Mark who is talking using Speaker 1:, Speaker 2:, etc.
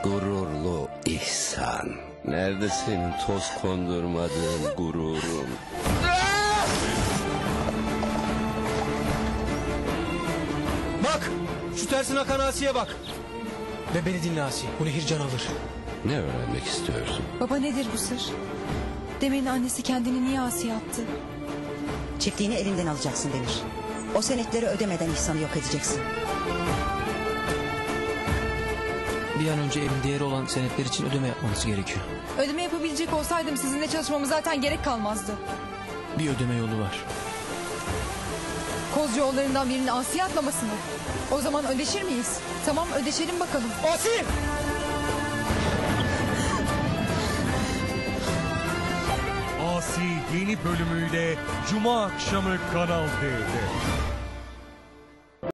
Speaker 1: gururlu İhsan. Nerede senin toz kondurmadığın gururun?
Speaker 2: Bak! Şu tersin akan Asiye bak. Ve beni dinle Asiye. Bu nehir can alır.
Speaker 1: Ne öğrenmek istiyorsun?
Speaker 3: Baba nedir bu sır? Demir'in annesi kendini niye Asiye attı?
Speaker 4: Çiftliğini elinden alacaksın Demir. O senetleri ödemeden İhsan'ı yok edeceksin.
Speaker 2: Bir an önce evin değeri olan senetler için ödeme yapmanız gerekiyor.
Speaker 3: Ödeme yapabilecek olsaydım sizinle çalışmama zaten gerek kalmazdı.
Speaker 2: Bir ödeme yolu var.
Speaker 3: Koz yollarından birinin Asiye atlaması mı? O zaman ödeşir miyiz? Tamam ödeşelim bakalım.
Speaker 2: Asiye!
Speaker 5: Asi yeni bölümüyle Cuma akşamı Kanal D'de.